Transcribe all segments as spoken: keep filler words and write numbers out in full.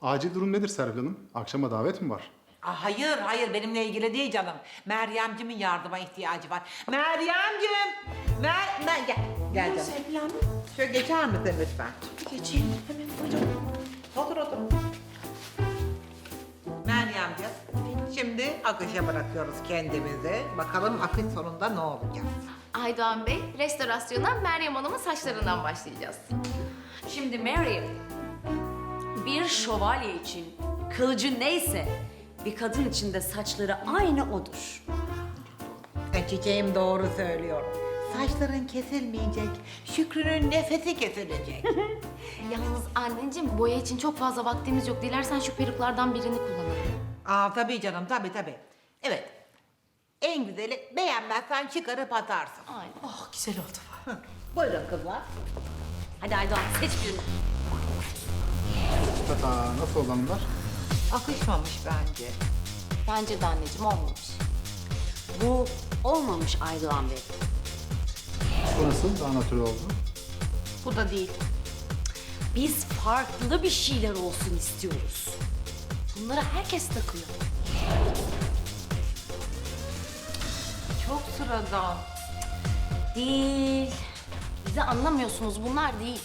Acil durum nedir Serpil Hanım? Akşama davet mi var? Aa, hayır, hayır benimle ilgili değil canım. Meryemcimin yardıma ihtiyacı var. Meryemcim! Mer... Mer gel, gel canım. Serpil Hanım. Şöyle geçer misin lütfen? Geçeyim. Hemen buyurun. Otur, otur. Meryemciğim, şimdi akışa bırakıyoruz kendimizi. Bakalım akış sonunda ne olacak? Aydoğan Bey, restorasyona Meryem Hanım'ın saçlarından başlayacağız. Şimdi Meryem, bir şövalye için kılıcı neyse bir kadın için de saçları aynı odur. E, çiçeğim doğru söylüyor. Saçların kesilmeyecek, Şükrü'nün nefesi kesilecek. Yalnız anneciğim, boya için çok fazla vaktimiz yok. Dilersen şu peruklardan birini kullanalım. Aa tabii canım, tabii tabii. Evet, en güzeli beğenmezsen çıkarıp atarsın. Aynen. Oh güzel oldu. Hı, buyurun kızlar. Hadi Aydoğan seç birini. Tata, nasıl olanlar? Akışmamış bence. Bence de anneciğim olmamış. Bu olmamış Aydoğan Bey. Bu nasıl? Daha natürel oldu. Bu da değil. Biz farklı bir şeyler olsun istiyoruz. Bunları herkes takıyor. Çok sıradan. Değil. Bizi anlamıyorsunuz, bunlar değil.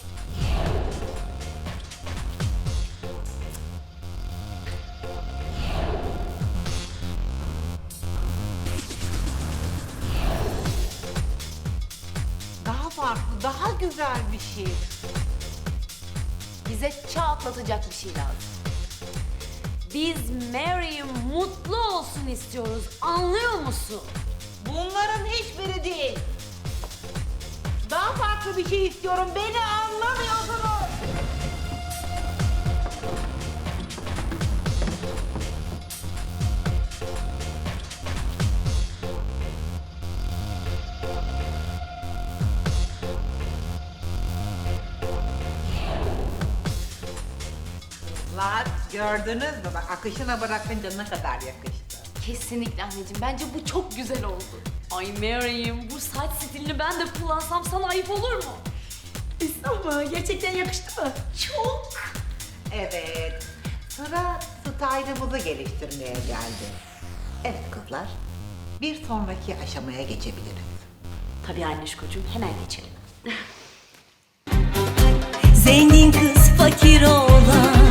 Daha farklı, daha güzel bir şey. Bize çağ atlatacak bir şey lazım. Biz Mary'im mutlu olsun istiyoruz. Anlıyor musun? Bunların hiçbiri değil. Daha farklı bir şey istiyorum. Beni anlamıyorsunuz. Lan gördünüz mü? Bak akışına bırakınca ne kadar yakıştı. Kesinlikle anneciğim. Bence bu çok güzel oldu. Ay Mary'im bu saç stilini ben de kullansam sana ayıp olur mu? Ama gerçekten yakıştı mı? Çok. Evet. Sıra style'ımızı geliştirmeye geldi. Evet kızlar. Bir sonraki aşamaya geçebiliriz. Tabii Anneşkocuğum hemen geçelim. Zengin kız fakir oğlan